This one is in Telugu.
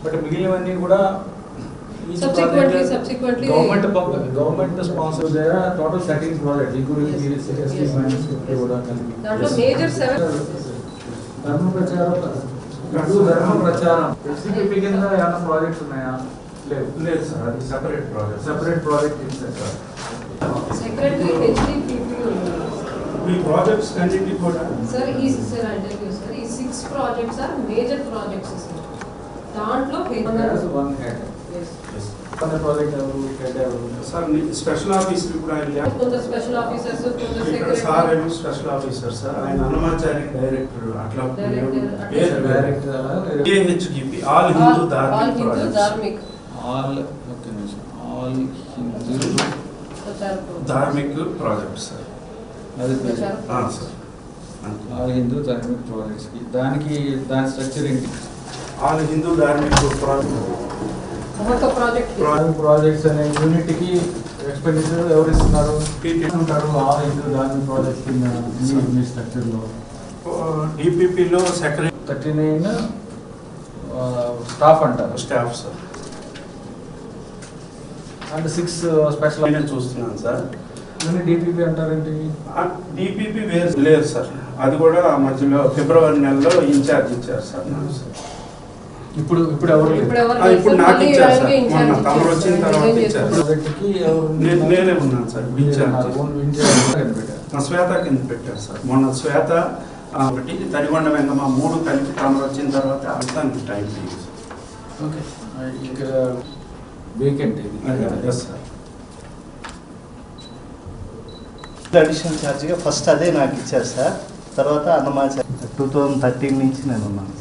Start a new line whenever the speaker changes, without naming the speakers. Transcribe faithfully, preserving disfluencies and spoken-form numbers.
బట్ మిగిలినవన్నీ కూడా
subsequently subsequently
government government sponsor there are total thirteen projects including S T finance కూడా కలిపి
దాంట్లో మేజర్ సెవెన్
ధర్మ ప్రచారం ధర్మ ప్రచారం ఎస్సీపీ కింద ఏమైనా ప్రాజెక్ట్స్ ఉన్నాయా? లేదు
లేదు సార్, అది సెపరేట్ ప్రాజెక్ట్.
సెపరేట్ ప్రాజెక్ట్ ఇస్తారు సార్.
సెక్రటరీ హెచ్డిపిపి
మీ ప్రాజెక్ట్స్ అన్నింటి కూడా
సార్ ఈ సార్ అంటే సార్ ఈ six projects are major projects sir. దాంట్లో
వన్ హెడ్ వన్ ప్రాజెక్ట్ ఎవరు హెడ్ ఎవరు
సార్ స్పెషల్ ఆఫీసర్ కూడా ఆయన
కొంత స్పెషల్ ఆఫీసర్స్ కొంత
ఇక్కడ సార్
సెక్రటరీ
ఏమో స్పెషల్ ఆఫీసర్ సార్, ఆయన హనుమాచారి డైరెక్టర్ అట్లా
Director,
AHDP all Hindu
all
Dharmik
Hindu
projects.
Dharmik
all okay all Hindu
Dharmik project sir.
అది
ఆ, సార్
ఆల్ హిందూ ధార్మిక్ ప్రాజెక్ట్స్కి దానికి దాని స్ట్రక్చర్ ఏంటి?
ఆల్ హిందూ ధార్మిక్ ప్రాజెక్ట్
ఒక ప్రాజెక్ట్
ధార్మిక్ ప్రాజెక్ట్స్ అనే యూనిట్కి ఎక్స్పెండిచర్ ఎవరు ఇస్తున్నారు? ఉంటారు ఆల్ హిందూ ధార్మిక్ ప్రాజెక్ట్స్ కింద మీ- మీ స్ట్రక్చర్లో
డిపిపిలో సెక్రటరీ
థర్టీ నైన్ స్టాఫ్ అంటారు
staff sir.
And six special
నేను చూస్తున్నాను సార్.
డిపిపి అంటారేంటి?
డిపిపి వేరు లేదు సార్, అది కూడా మధ్యలో ఫిబ్రవరి నెలలో ఇన్ఛార్జ్ ఇచ్చారు సార్ నాకు సార్.
ఇప్పుడు ఇప్పుడు ఎవరు లేరు.
ఇప్పుడు ఎవరు
ఆ, ఇప్పుడు
లేరు.
నాకు
మళ్ళీ
ఇచ్చారు సార్,
ఇన్ఛార్జ్
మొన్న
ఇచ్చారు
తమరు వచ్చిన
సార్.
తర్వాత
రిజైన్
ఇచ్చారు.
చేస్తారు.
ప్రాజెక్ట్కి ఎవరు?
నేను నేనే ఉన్నాను సార్ ఇన్ఛార్జ్.
ఓన్ ఇన్ఛార్జ్ కనిపెట్టారు.
మా శ్వేత కింద పెట్టారు సార్. మొన్న శ్వేత ఆ, ఒకటి తడిగొండ వెంగమ్మ మూడు కలిపి తమరు వచ్చిన తర్వాత అంతానికి టైం లేదు.
ఓకే ఇక్కడ వేకెంట్ ఇది.
Yes sir.
అడిషనల్ ఛార్జ్గా ఫస్ట్ అదే నాకు ఇచ్చారు సార్. తర్వాత అన్నమాచార్య టూ థౌజండ్ థర్టీన్ నుంచి నేను ఉన్నాను.